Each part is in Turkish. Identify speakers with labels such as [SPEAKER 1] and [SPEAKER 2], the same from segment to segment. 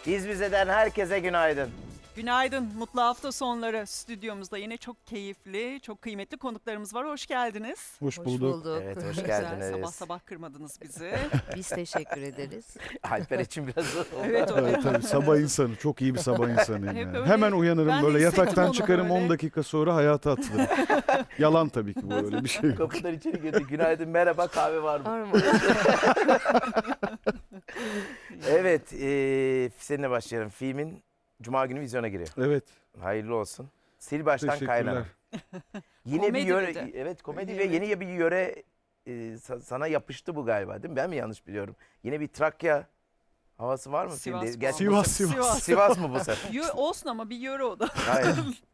[SPEAKER 1] Biz Bize'den herkese günaydın.
[SPEAKER 2] Günaydın, mutlu hafta sonları. Stüdyomuzda yine çok keyifli, çok kıymetli konuklarımız var. Hoş geldiniz.
[SPEAKER 3] Hoş bulduk.
[SPEAKER 1] Evet, hoş
[SPEAKER 2] Güzel,
[SPEAKER 1] geldiniz.
[SPEAKER 2] sabah sabah kırmadınız bizi.
[SPEAKER 4] Biz teşekkür ederiz.
[SPEAKER 1] Alper için biraz zor oldu.
[SPEAKER 2] Evet, o
[SPEAKER 3] Evet, tabii sabah insanı. Çok iyi bir sabah insanıyım
[SPEAKER 2] Hep
[SPEAKER 3] yani.
[SPEAKER 2] öyle.
[SPEAKER 3] Hemen uyanırım
[SPEAKER 2] Ben de
[SPEAKER 3] böyle
[SPEAKER 2] hissettim
[SPEAKER 3] yataktan
[SPEAKER 2] onu
[SPEAKER 3] çıkarım
[SPEAKER 2] böyle.
[SPEAKER 3] 10 dakika sonra hayata atılırım. Yalan tabii ki bu öyle bir şey yok.
[SPEAKER 1] Kapıdan içeri girdi. Günaydın, merhaba, kahve var mı?
[SPEAKER 4] Var mı?
[SPEAKER 1] Evet, seninle başlayalım. Filmin Cuma günü vizyona giriyor.
[SPEAKER 3] Evet.
[SPEAKER 1] Hayırlı olsun. Sil baştan kaynana.
[SPEAKER 3] Teşekkürler.
[SPEAKER 1] Yine
[SPEAKER 2] Komedi
[SPEAKER 1] bir yöre,
[SPEAKER 2] bir de.
[SPEAKER 1] evet komedi
[SPEAKER 2] Evet.
[SPEAKER 1] ve yeni bir yöre sana yapıştı bu galiba değil mi? Ben mi yanlış biliyorum? Yine bir Trakya havası var mı
[SPEAKER 2] Sivas
[SPEAKER 1] filmde?
[SPEAKER 2] bu.
[SPEAKER 1] Gerçi
[SPEAKER 3] Sivas,
[SPEAKER 1] bu sefer-
[SPEAKER 3] Sivas.
[SPEAKER 1] Sivas mı bu sefer?
[SPEAKER 2] Olsun ama bir yöre o da.
[SPEAKER 1] Hayır.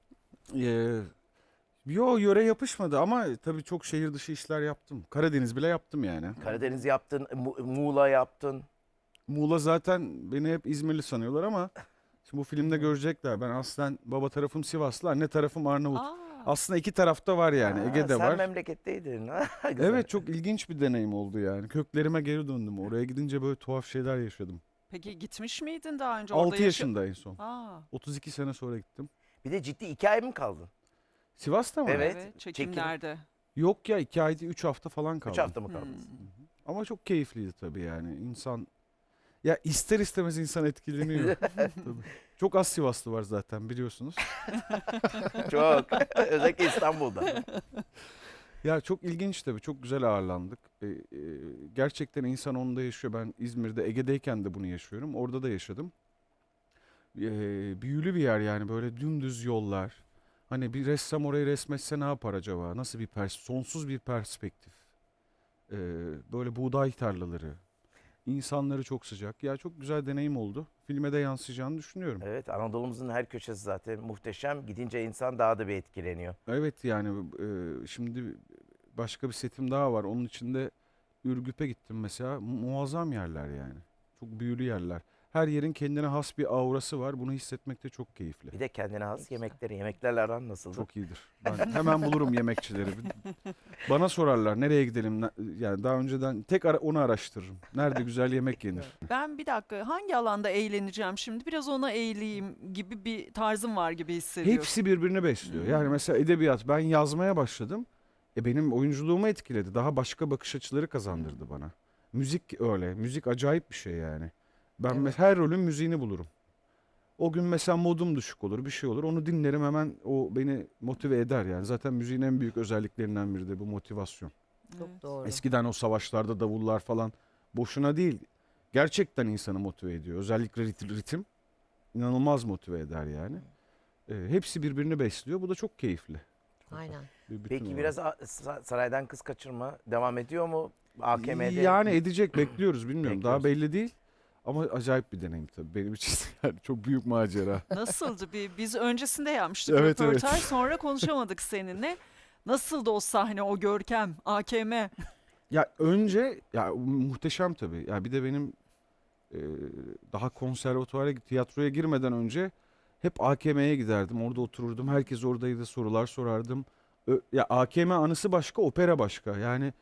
[SPEAKER 3] Yo yöre yapışmadı ama tabii çok şehir dışı işler yaptım. Karadeniz bile yaptım yani.
[SPEAKER 1] Karadeniz yaptın, Muğla yaptın.
[SPEAKER 3] Muğla zaten beni hep İzmirli sanıyorlar ama şimdi bu filmde görecekler. Ben aslen baba tarafım Sivaslı, anne tarafım Arnavut.
[SPEAKER 2] Aa,
[SPEAKER 3] Aslında iki tarafta var yani.
[SPEAKER 1] Ha,
[SPEAKER 3] Ege'de
[SPEAKER 1] sen
[SPEAKER 3] var.
[SPEAKER 1] memleketteydin. Ha, güzel.
[SPEAKER 3] Evet, çok ilginç bir deneyim oldu yani. Köklerime geri döndüm. Oraya gidince böyle tuhaf şeyler yaşadım.
[SPEAKER 2] peki gitmiş miydin daha önce? Orada
[SPEAKER 3] 6 yaşında en son.
[SPEAKER 2] Aa,
[SPEAKER 3] 32 sene sonra gittim.
[SPEAKER 1] Bir de ciddi 2 ay mı kaldın?
[SPEAKER 3] Sivas'ta mı?
[SPEAKER 1] Evet,
[SPEAKER 2] evet, çekimlerde.
[SPEAKER 3] Yok ya, 2 ay değil 3 hafta falan
[SPEAKER 1] 3
[SPEAKER 3] kaldım.
[SPEAKER 1] hafta mı kaldın?
[SPEAKER 3] Ama çok keyifliydi tabii yani. İnsan ya ister istemez insan etkileniyor. Tabii. Çok az Sivaslı var zaten biliyorsunuz.
[SPEAKER 1] Çok. Özellikle İstanbul'da.
[SPEAKER 3] Ya çok ilginç tabii. Çok güzel ağırlandık. Gerçekten insan onda yaşıyor. Ben İzmir'de, Ege'deyken de bunu yaşıyorum. Orada da yaşadım. Büyülü bir yer yani, böyle dümdüz yollar. Hani bir ressam orayı resmetse ne yapar acaba? Nasıl bir sonsuz bir perspektif. Böyle buğday tarlaları. İnsanları çok sıcak. Ya çok güzel deneyim oldu. Filme de yansıyacağını düşünüyorum.
[SPEAKER 1] Evet, Anadolu'muzun her köşesi zaten muhteşem. Gidince insan daha da bir etkileniyor.
[SPEAKER 3] Evet yani şimdi başka bir setim daha var. Onun içinde Ürgüp'e gittim mesela. Muazzam yerler yani. Çok büyülü yerler. Her yerin kendine has bir aurası var. Bunu hissetmek de çok keyifli.
[SPEAKER 1] Bir de kendine has yemekleri. Yemeklerle aran nasıldı?
[SPEAKER 3] Çok iyidir. Ben hemen bulurum yemekçileri. Bana sorarlar nereye gidelim? Yani daha önceden onu araştırırım. Nerede güzel yemek yenir?
[SPEAKER 2] Ben bir dakika hangi alanda eğleneceğim şimdi? Biraz ona eğileyim gibi bir tarzım var gibi hissediyorum.
[SPEAKER 3] Hepsi birbirini besliyor. Yani mesela edebiyat, ben yazmaya başladım. Benim oyunculuğumu etkiledi. Daha başka bakış açıları kazandırdı bana. Müzik öyle. Müzik acayip bir şey yani. Ben
[SPEAKER 4] Evet.
[SPEAKER 3] her rolün müziğini bulurum. O gün mesela modum düşük olur, bir şey olur. Onu dinlerim, hemen o beni motive eder yani. Zaten müziğin en büyük özelliklerinden biri de bu motivasyon.
[SPEAKER 4] Çok
[SPEAKER 2] Evet.
[SPEAKER 4] doğru.
[SPEAKER 3] Eskiden o savaşlarda davullar falan boşuna değil. Gerçekten insanı motive ediyor. Özellikle ritim inanılmaz motive eder yani. Hepsi birbirini besliyor. Bu da çok keyifli.
[SPEAKER 4] Aynen.
[SPEAKER 3] Bir bütün
[SPEAKER 1] Peki
[SPEAKER 3] olarak.
[SPEAKER 1] biraz saraydan kız kaçırma devam ediyor mu? AKM'de.
[SPEAKER 3] Yani edecek, bekliyoruz, bilmiyorum. Daha
[SPEAKER 1] Bekliyoruz.
[SPEAKER 3] belli değil. Ama acayip bir deneyim tabii benim için. Yani çok büyük macera.
[SPEAKER 2] Nasıldı? Biz öncesinde yapmıştık
[SPEAKER 3] Evet,
[SPEAKER 2] röportaj,
[SPEAKER 3] evet.
[SPEAKER 2] sonra konuşamadık seninle. Nasıldı o sahne, o görkem, AKM?
[SPEAKER 3] Ya önce ya muhteşem tabii. Ya bir de benim daha konservatuara, tiyatroya girmeden önce hep AKM'ye giderdim. Orada otururdum. Herkes oradaydı. Sorular sorardım. Ya AKM anısı başka, opera başka. Yani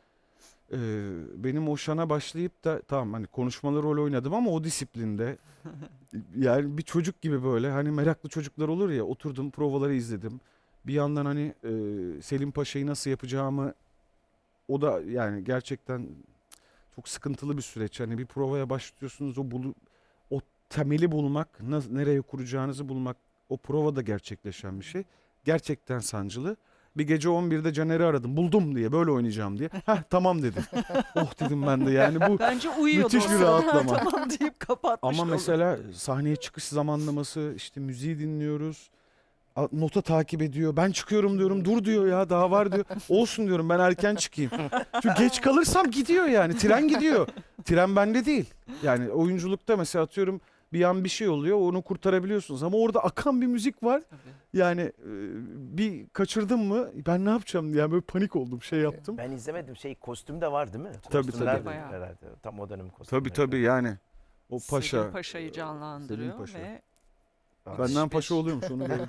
[SPEAKER 3] benim o şana başlayıp da tamam hani konuşmalı rol oynadım ama o disiplinde yani bir çocuk gibi böyle hani meraklı çocuklar olur ya, oturdum provaları izledim. Bir yandan hani Selim Paşa'yı nasıl yapacağımı, o da yani gerçekten çok sıkıntılı bir süreç. Hani bir provaya başlıyorsunuz, o temeli bulmak, nereye kuracağınızı bulmak, o provada gerçekleşen bir şey. Gerçekten sancılı. Bir gece 11'de Caner'i aradım. Buldum diye, böyle oynayacağım diye. Heh, tamam dedi. Oh dedim ben de yani bu.
[SPEAKER 2] Bence uyuyordu
[SPEAKER 3] Müthiş
[SPEAKER 2] o
[SPEAKER 3] bir
[SPEAKER 2] sırada.
[SPEAKER 3] rahatlama.
[SPEAKER 2] Tamam deyip kapatmış.
[SPEAKER 3] Ama
[SPEAKER 2] oldu.
[SPEAKER 3] mesela sahneye çıkış zamanlaması, işte müziği dinliyoruz. Nota takip ediyor. Ben çıkıyorum diyorum. Dur diyor ya, daha var diyor. Olsun diyorum, ben erken çıkayım. Çünkü geç kalırsam gidiyor yani. Tren gidiyor. Tren bende değil. Yani oyunculukta mesela atıyorum bir an bir şey oluyor, onu kurtarabiliyorsunuz. Ama orada akan bir müzik var.
[SPEAKER 2] Tabii.
[SPEAKER 3] Yani bir kaçırdım mı ben ne yapacağım diye, yani böyle panik oldum, şey yaptım.
[SPEAKER 1] Ben izlemedim. Kostüm de var değil mi?
[SPEAKER 3] Tabii,
[SPEAKER 1] Kostümler
[SPEAKER 3] tabii.
[SPEAKER 1] de
[SPEAKER 2] Bayağı.
[SPEAKER 1] herhalde. Tam o dönem kostümleri.
[SPEAKER 3] Tabii yani. O paşa.
[SPEAKER 2] Selim Paşa'yı canlandırıyor
[SPEAKER 3] Selim Paşa.
[SPEAKER 2] ve
[SPEAKER 3] Benden paşa oluyormuş onu gördüm.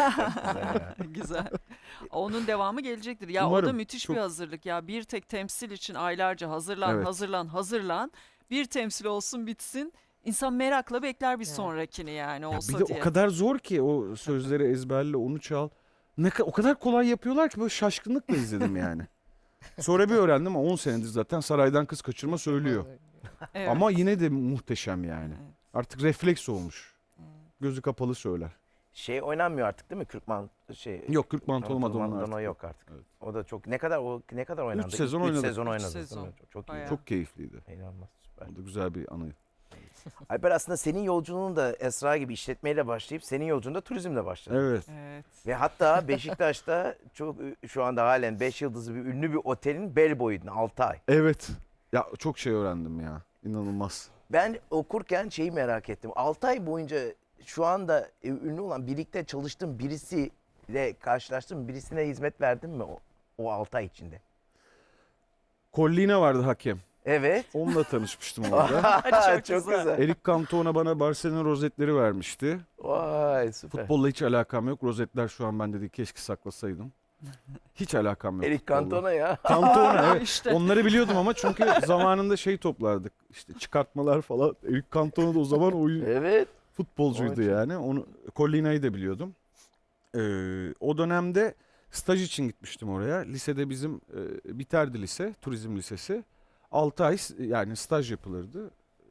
[SPEAKER 2] güzel. Onun devamı gelecektir. Ya o
[SPEAKER 3] Umarım.
[SPEAKER 2] da müthiş
[SPEAKER 3] Çok-
[SPEAKER 2] bir hazırlık. Ya bir tek temsil için aylarca hazırlan,
[SPEAKER 3] Evet.
[SPEAKER 2] hazırlan, hazırlan. Bir temsil olsun bitsin. İnsan merakla bekler bir sonrakini yani
[SPEAKER 3] Ya
[SPEAKER 2] olsa
[SPEAKER 3] bir de
[SPEAKER 2] diye.
[SPEAKER 3] o kadar zor ki o sözleri ezberle, onu çal. O kadar kolay yapıyorlar ki böyle şaşkınlıkla izledim yani. Sonra bir öğrendim ama 10 senedir zaten saraydan kız kaçırma söylüyor.
[SPEAKER 2] Evet.
[SPEAKER 3] Ama yine de muhteşem yani.
[SPEAKER 2] Evet.
[SPEAKER 3] Artık refleks olmuş. Gözü kapalı söyler.
[SPEAKER 1] Şey oynanmıyor artık değil mi? Kürkman
[SPEAKER 3] Yok, Kürk Mantolu Madonna
[SPEAKER 1] Madonna
[SPEAKER 3] artık.
[SPEAKER 1] yok artık.
[SPEAKER 3] Evet.
[SPEAKER 1] O da çok ne kadar oynandı?
[SPEAKER 3] 3 sezon
[SPEAKER 1] Üç
[SPEAKER 3] oynadık.
[SPEAKER 1] sezon oynadı.
[SPEAKER 2] Üç
[SPEAKER 1] değil mi?
[SPEAKER 2] sezon.
[SPEAKER 1] Çok iyi.
[SPEAKER 2] Bayağı.
[SPEAKER 3] Çok keyifliydi.
[SPEAKER 1] İnanılmaz süper.
[SPEAKER 3] O da güzel bir anı.
[SPEAKER 1] Alper, aslında senin yolculuğun da Esra gibi işletmeyle başlayıp senin yolculuğun da turizmle başladı.
[SPEAKER 3] Evet.
[SPEAKER 2] Evet.
[SPEAKER 1] Ve hatta Beşiktaş'ta çok şu anda halen 5 yıldızlı bir ünlü bir otelin bellboy'uydun 6 ay.
[SPEAKER 3] Evet. Ya çok şey öğrendim ya. İnanılmaz.
[SPEAKER 1] Ben okurken şeyi merak ettim. 6 ay boyunca şu anda ünlü olan birlikte çalıştığın birisiyle karşılaştın, birisine hizmet verdin mi o 6 ay içinde?
[SPEAKER 3] Collina vardı hakem.
[SPEAKER 1] Evet.
[SPEAKER 3] Onunla tanışmıştım orada.
[SPEAKER 1] Çok güzel.
[SPEAKER 3] Eric Cantona bana Barcelona rozetleri vermişti.
[SPEAKER 1] Vay süper.
[SPEAKER 3] Futbolla hiç alakam yok. Rozetler şu an bende değil. Keşke saklasaydım. Hiç alakam yok.
[SPEAKER 1] Eric
[SPEAKER 3] futbolla.
[SPEAKER 1] Cantona ya.
[SPEAKER 3] Cantona evet.
[SPEAKER 2] İşte.
[SPEAKER 3] Onları biliyordum ama çünkü zamanında şey toplardık. İşte çıkartmalar falan. Eric Cantona da o zaman
[SPEAKER 1] Evet.
[SPEAKER 3] futbolcuydu
[SPEAKER 1] Vay
[SPEAKER 3] yani. Onu Collina'yı da biliyordum. O dönemde staj için gitmiştim oraya. Lisede bizim biterdi lise, turizm lisesi. 6 ay yani staj yapılırdı.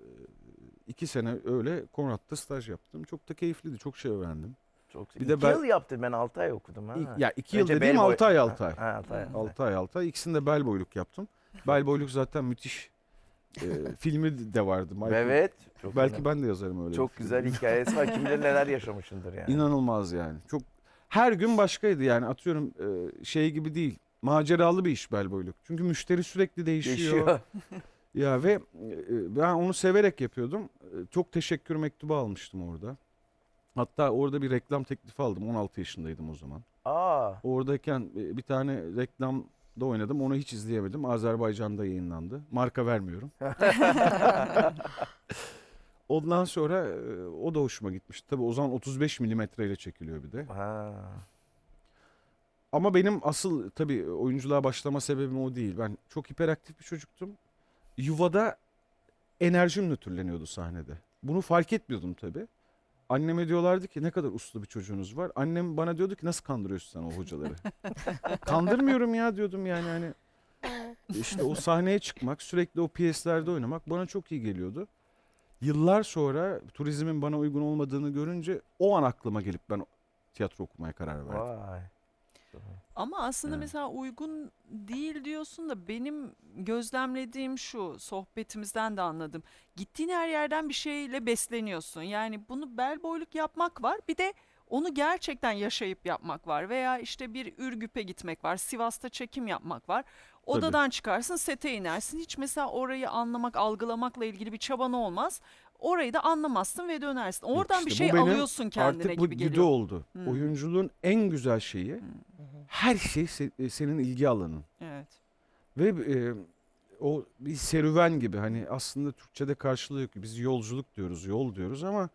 [SPEAKER 3] 2 sene öyle Konrad'da staj yaptım. Çok da keyifliydi. Çok şey öğrendim.
[SPEAKER 1] Çok
[SPEAKER 3] Bir
[SPEAKER 1] bir
[SPEAKER 3] de
[SPEAKER 1] de
[SPEAKER 3] ben-
[SPEAKER 1] yıl yaptım, ben 6 ay okudum ha.
[SPEAKER 3] Ya 2 yıl
[SPEAKER 1] Önce
[SPEAKER 3] dediğim
[SPEAKER 1] bellboy-
[SPEAKER 3] 6 ay 6 ay.
[SPEAKER 1] Ha, 6 ay.
[SPEAKER 3] 6 ay 6 ay. İkisinde bellboyluk yaptım. Bellboyluk zaten müthiş. Filmi de vardı. Michael.
[SPEAKER 1] Evet. Çok
[SPEAKER 3] Belki
[SPEAKER 1] önemli.
[SPEAKER 3] ben de yazarım öyle.
[SPEAKER 1] Çok
[SPEAKER 3] bir film.
[SPEAKER 1] güzel hikayesi var. Kim bilir neler yaşamışındır yani.
[SPEAKER 3] İnanılmaz yani. Çok her gün başkaydı yani, atıyorum şey gibi değil. Maceralı bir iş bellboyluk. Çünkü müşteri sürekli değişiyor.
[SPEAKER 1] Yaşıyor.
[SPEAKER 3] Ya ve ben onu severek yapıyordum. Çok teşekkür mektubu almıştım orada. Hatta orada bir reklam teklifi aldım. 16 yaşındaydım o zaman.
[SPEAKER 1] Aa.
[SPEAKER 3] Oradayken bir tane reklamda oynadım. Onu hiç izleyemedim. Azerbaycan'da yayınlandı. Marka vermiyorum. Ondan sonra o da hoşuma gitmişti. Tabii o zaman 35 milimetreyle çekiliyor bir de.
[SPEAKER 1] Ha.
[SPEAKER 3] Ama benim asıl tabii oyunculuğa başlama sebebim o değil. Ben çok hiperaktif bir çocuktum. Yuvada enerjim nötrleniyordu sahnede. Bunu fark etmiyordum tabii. Anneme diyorlardı ki ne kadar uslu bir çocuğunuz var. Annem bana diyordu ki nasıl kandırıyorsun sen o hocaları? Kandırmıyorum ya diyordum yani hani. İşte o sahneye çıkmak, sürekli o piyeslerde oynamak bana çok iyi geliyordu. Yıllar sonra turizmin bana uygun olmadığını görünce o an aklıma gelip ben tiyatro okumaya karar verdim.
[SPEAKER 1] Vay.
[SPEAKER 2] Ama aslında
[SPEAKER 3] Yani.
[SPEAKER 2] mesela uygun değil diyorsun da benim gözlemlediğim şu, sohbetimizden de anladım. Gittiğin her yerden bir şeyle besleniyorsun. Yani bunu bellboyluk yapmak var, bir de onu gerçekten yaşayıp yapmak var. Veya işte bir Ürgüp'e gitmek var, Sivas'ta çekim yapmak var. Odadan çıkarsın, sete inersin. Hiç mesela orayı anlamak, algılamakla ilgili bir çaban olmaz. Orayı da anlamazsın ve dönersin. Oradan
[SPEAKER 3] işte
[SPEAKER 2] bir
[SPEAKER 3] bu
[SPEAKER 2] şey
[SPEAKER 3] benim
[SPEAKER 2] alıyorsun kendine
[SPEAKER 3] Artık bu
[SPEAKER 2] gibi
[SPEAKER 3] güdü
[SPEAKER 2] geliyor.
[SPEAKER 3] oldu.
[SPEAKER 2] Hmm.
[SPEAKER 3] Oyunculuğun en güzel şeyi her şey senin ilgi alanın.
[SPEAKER 2] Evet.
[SPEAKER 3] Ve o bir serüven gibi, hani aslında Türkçe'de karşılığı yok. Biz yolculuk diyoruz, yol diyoruz ama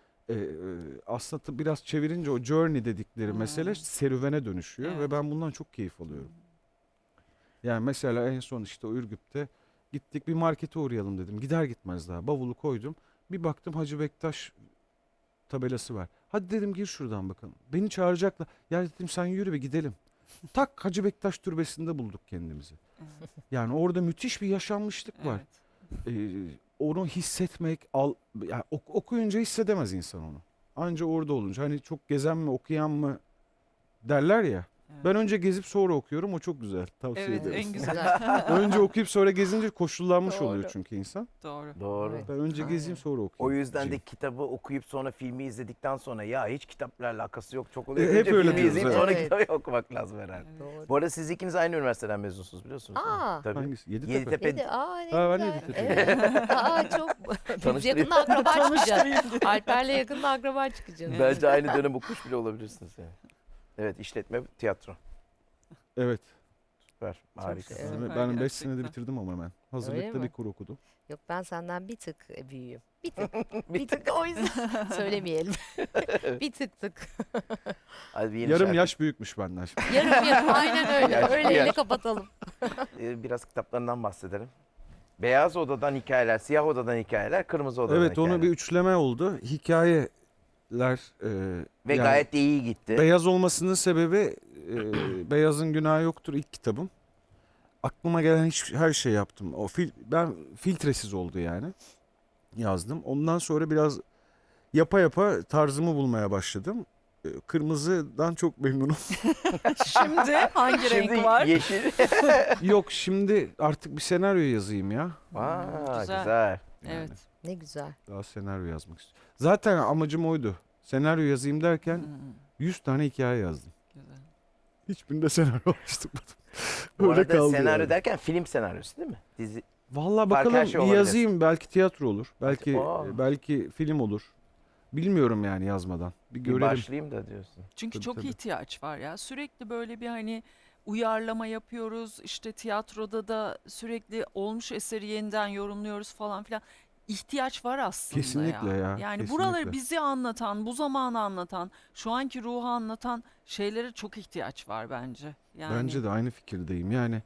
[SPEAKER 3] aslında biraz çevirince o journey dedikleri mesele serüvene dönüşüyor
[SPEAKER 2] Evet.
[SPEAKER 3] ve ben bundan çok keyif alıyorum. Yani mesela en son işte o Ürgüp'te gittik, bir markete uğrayalım dedim. Gider gitmez daha bavulu koydum. Bir baktım Hacı Bektaş tabelası var. Hadi dedim gir şuradan bakalım. Beni çağıracaklar. Ya dedim sen yürü ve gidelim. Tak Hacı Bektaş türbesinde bulduk kendimizi. Yani orada müthiş bir yaşanmışlık var.
[SPEAKER 2] Evet.
[SPEAKER 3] Onu hissetmek, yani okuyunca hissedemez insan onu. Anca orada olunca, hani çok gezen mi okuyan mı derler ya.
[SPEAKER 2] Evet.
[SPEAKER 3] Ben önce gezip sonra okuyorum, o çok güzel. Tavsiye
[SPEAKER 2] Evet,
[SPEAKER 3] ederim.
[SPEAKER 2] en güzel.
[SPEAKER 3] Önce okuyup sonra gezince koşullanmış
[SPEAKER 4] Doğru.
[SPEAKER 3] oluyor çünkü insan.
[SPEAKER 2] Doğru.
[SPEAKER 1] Doğru.
[SPEAKER 4] Evet.
[SPEAKER 3] Ben önce
[SPEAKER 4] Aynen.
[SPEAKER 3] gezeyim sonra
[SPEAKER 1] O
[SPEAKER 3] okuyayım.
[SPEAKER 1] yüzden de
[SPEAKER 3] diyeyim.
[SPEAKER 1] kitabı okuyup sonra filmi izledikten sonra ya hiç kitapla alakası yok çok oluyor.
[SPEAKER 3] Hep
[SPEAKER 1] Önce
[SPEAKER 3] öyle
[SPEAKER 1] filmi
[SPEAKER 3] diyoruz,
[SPEAKER 1] izleyip
[SPEAKER 3] evet.
[SPEAKER 1] sonra
[SPEAKER 4] Evet.
[SPEAKER 1] kitabı okumak lazım herhalde.
[SPEAKER 4] Doğru.
[SPEAKER 1] Bu arada siz ikiniz aynı üniversiteden mezunsunuz biliyorsunuz değil mi?
[SPEAKER 4] Aa.
[SPEAKER 1] Tabii.
[SPEAKER 3] Hangisi? Yeditepe.
[SPEAKER 1] Yeditepe.
[SPEAKER 4] Neydi? Aa ne
[SPEAKER 3] Ha, ben de
[SPEAKER 4] güzel.
[SPEAKER 3] Yeditepe'yim.
[SPEAKER 4] Evet. Aa çok. Biz
[SPEAKER 1] Tanıştırayım.
[SPEAKER 4] yakında akraba çıkacağız. Alper'le yakında akraba çıkacağız.
[SPEAKER 1] Bence aynı dönem okumuş bile olabilirsiniz yani. Evet, işletme, tiyatro.
[SPEAKER 3] Evet.
[SPEAKER 1] Süper, harika.
[SPEAKER 4] Evet.
[SPEAKER 3] Ben
[SPEAKER 2] Süper
[SPEAKER 3] 5
[SPEAKER 2] gerçekten.
[SPEAKER 3] senede bitirdim ama ben.
[SPEAKER 4] Öyle
[SPEAKER 3] Hazırlıkta
[SPEAKER 4] mi?
[SPEAKER 3] bir kur okudum.
[SPEAKER 4] Yok ben senden bir tık büyüğüm. Bir tık. Bir tık o yüzden söylemeyelim. Bir tık.
[SPEAKER 1] Hadi bir yeni
[SPEAKER 3] Yarım
[SPEAKER 1] şarkı.
[SPEAKER 3] yaş büyükmüş benden şimdi.
[SPEAKER 4] Yarım aynen öyle.
[SPEAKER 1] Yaş-
[SPEAKER 4] Öyleyle
[SPEAKER 1] yaş.
[SPEAKER 4] kapatalım.
[SPEAKER 1] Biraz kitaplarından bahsedelim. Beyaz odadan hikayeler, siyah odadan hikayeler, kırmızı odadan
[SPEAKER 3] Evet
[SPEAKER 1] hikayeler.
[SPEAKER 3] onu bir üçleme oldu. Hikayeler
[SPEAKER 1] Ve
[SPEAKER 3] yani
[SPEAKER 1] gayet de iyi gitti.
[SPEAKER 3] beyaz olmasının sebebi Beyazın Günahı Yoktur ilk kitabım. Aklıma gelen her şey yaptım. Ben filtresiz oldu yani. Yazdım. Ondan sonra biraz yapa yapa tarzımı bulmaya başladım. Kırmızıdan çok memnunum.
[SPEAKER 2] Şimdi hangi
[SPEAKER 1] Şimdi
[SPEAKER 2] renk var?
[SPEAKER 1] yeşil.
[SPEAKER 3] Yok şimdi artık bir senaryo yazayım ya.
[SPEAKER 1] Aa,
[SPEAKER 2] Güzel.
[SPEAKER 1] güzel.
[SPEAKER 2] Evet.
[SPEAKER 4] Ne güzel.
[SPEAKER 3] Daha senaryo yazmak istiyorum. Zaten amacım oydu. Senaryo yazayım derken
[SPEAKER 2] Hmm,
[SPEAKER 3] 100 tane hikaye yazdım.
[SPEAKER 2] güzel.
[SPEAKER 3] Hiçbirinde senaryo oluşturmadım.
[SPEAKER 1] Bu
[SPEAKER 3] Öyle
[SPEAKER 1] arada
[SPEAKER 3] kaldı
[SPEAKER 1] senaryo
[SPEAKER 3] yani.
[SPEAKER 1] derken film senaryosu değil mi? Dizi.
[SPEAKER 3] Vallahi
[SPEAKER 1] Farklı
[SPEAKER 3] bakalım
[SPEAKER 1] her şey
[SPEAKER 3] bir
[SPEAKER 1] olabilir.
[SPEAKER 3] yazayım. Belki tiyatro olur. Belki
[SPEAKER 1] Aa.
[SPEAKER 3] belki film olur. Bilmiyorum yani yazmadan. Bir
[SPEAKER 1] Bir
[SPEAKER 3] görelim.
[SPEAKER 1] başlayayım da diyorsun.
[SPEAKER 2] Çünkü
[SPEAKER 3] Tabii,
[SPEAKER 2] çok
[SPEAKER 3] tabii.
[SPEAKER 2] ihtiyaç var ya. Sürekli böyle bir hani uyarlama yapıyoruz. İşte tiyatroda da sürekli olmuş eseri yeniden yorumluyoruz falan filan. İhtiyaç var aslında
[SPEAKER 3] Kesinlikle ya,
[SPEAKER 2] Yani
[SPEAKER 3] kesinlikle.
[SPEAKER 2] buraları bizi anlatan, bu zamanı anlatan, şu anki ruhu anlatan şeylere çok ihtiyaç var bence. Yani
[SPEAKER 3] Bence de aynı fikirdeyim. Yani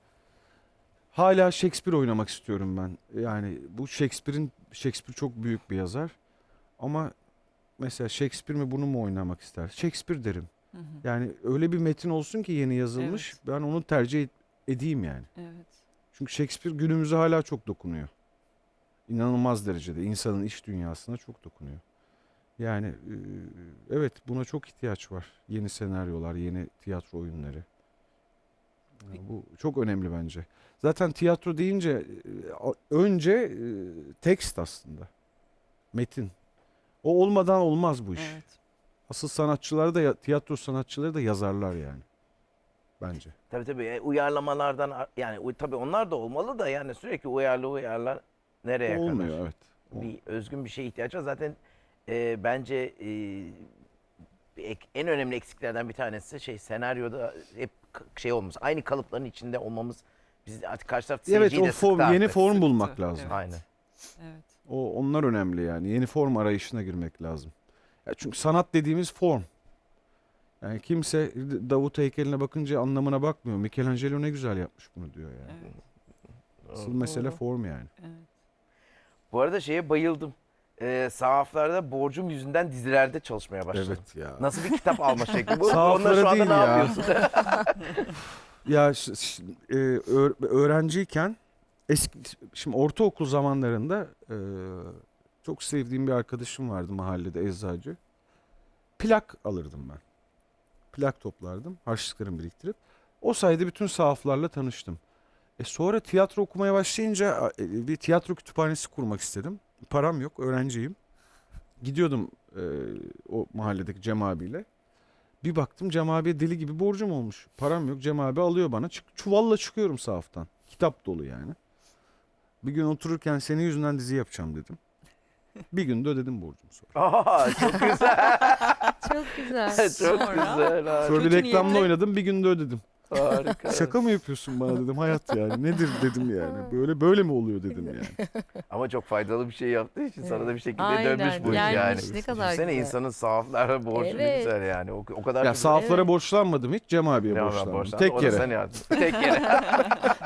[SPEAKER 3] hala Shakespeare oynamak istiyorum ben. Yani bu Shakespeare çok büyük bir yazar. Ama mesela Shakespeare mi bunu mu oynamak ister? Shakespeare derim.
[SPEAKER 2] Hı hı.
[SPEAKER 3] Yani öyle bir metin olsun ki yeni yazılmış.
[SPEAKER 2] Evet.
[SPEAKER 3] Ben onu tercih edeyim yani.
[SPEAKER 2] Evet.
[SPEAKER 3] Çünkü Shakespeare günümüze hala çok dokunuyor. İnanılmaz derecede insanın iç dünyasına çok dokunuyor. Yani evet buna çok ihtiyaç var. Yeni senaryolar, yeni tiyatro oyunları. Yani bu çok önemli bence. Zaten tiyatro deyince önce tekst aslında. Metin. O olmadan olmaz bu iş.
[SPEAKER 2] Evet.
[SPEAKER 3] Asıl sanatçılar da tiyatro sanatçıları da yazarlar yani. Bence.
[SPEAKER 1] Tabii tabii. Uyarlamalardan yani tabii onlar da olmalı da yani sürekli uyarlar nereye kadar?
[SPEAKER 3] Olmuyor evet.
[SPEAKER 1] Bir özgün bir şeye ihtiyaç var. Zaten bence en önemli eksiklerden bir tanesi senaryoda hep şey olmamız. Aynı kalıpların içinde olmamız. Biz artık karşı taraf
[SPEAKER 3] Evet
[SPEAKER 1] seyirciyi
[SPEAKER 3] o
[SPEAKER 1] de sıktı
[SPEAKER 3] yeni
[SPEAKER 1] artık.
[SPEAKER 3] form
[SPEAKER 2] Sıktı,
[SPEAKER 3] bulmak lazım.
[SPEAKER 2] evet.
[SPEAKER 1] Aynen.
[SPEAKER 2] Evet.
[SPEAKER 3] Onlar önemli yani. Yeni form arayışına girmek lazım. Ya çünkü sanat dediğimiz form. Yani kimse Davut heykeline bakınca anlamına bakmıyor. Michelangelo ne güzel yapmış bunu diyor yani.
[SPEAKER 2] Evet.
[SPEAKER 3] Asıl mesele form yani.
[SPEAKER 2] Evet.
[SPEAKER 1] Bu arada şeye bayıldım. Sahaflarda borcum yüzünden dizilerde çalışmaya başladım.
[SPEAKER 3] Evet ya.
[SPEAKER 1] Nasıl bir kitap alma şekli bu?
[SPEAKER 3] Sahaflara
[SPEAKER 1] Onunla şu anda
[SPEAKER 3] değil
[SPEAKER 1] ne
[SPEAKER 3] ya.
[SPEAKER 1] yapıyorsun?
[SPEAKER 3] Ya öğrenciyken şimdi ortaokul zamanlarında çok sevdiğim bir arkadaşım vardı mahallede eczacı. Plak alırdım ben. Plak toplardım harçlıklarımı biriktirip. O sayede bütün sahaflarla tanıştım. Sonra tiyatro okumaya başlayınca bir tiyatro kütüphanesi kurmak istedim. Param yok, öğrenciyim. Gidiyordum o mahalledeki Cem abiyle. Bir baktım Cem abiye deli gibi borcum olmuş. Param yok. Cem abi alıyor bana. Çuvalla çıkıyorum sahaftan. Kitap dolu yani. Bir gün otururken senin yüzünden dizi yapacağım dedim. Bir günde ödedim borcumu sonra.
[SPEAKER 1] Aa, çok güzel.
[SPEAKER 4] Çok güzel.
[SPEAKER 1] Çok
[SPEAKER 2] Sonra?
[SPEAKER 1] güzel.
[SPEAKER 3] Sonra bir
[SPEAKER 2] Kötü
[SPEAKER 3] reklamda
[SPEAKER 2] niyetle-
[SPEAKER 3] oynadım. Bir günde ödedim.
[SPEAKER 1] Harika.
[SPEAKER 3] Şaka mı yapıyorsun bana dedim. Hayat yani. Nedir dedim yani. Böyle mi oluyor dedim yani.
[SPEAKER 1] Ama çok faydalı bir şey yaptığı için sana da bir şekilde
[SPEAKER 4] Aynen,
[SPEAKER 1] dönmüş bu iş yani.
[SPEAKER 4] gelmiş. Ne kadar
[SPEAKER 1] Düşünsene
[SPEAKER 4] güzel.
[SPEAKER 1] insanın sahaflara borcu ne
[SPEAKER 4] Evet.
[SPEAKER 1] güzel yani. O kadar
[SPEAKER 3] Ya
[SPEAKER 1] çok
[SPEAKER 3] sahaflara
[SPEAKER 4] Evet.
[SPEAKER 3] borçlanmadım hiç. Cem abiye
[SPEAKER 1] Ne var
[SPEAKER 3] borçlandım.
[SPEAKER 1] borçlandı?
[SPEAKER 3] Tek
[SPEAKER 1] O da
[SPEAKER 3] yere.
[SPEAKER 1] sen yardım. Tek yere.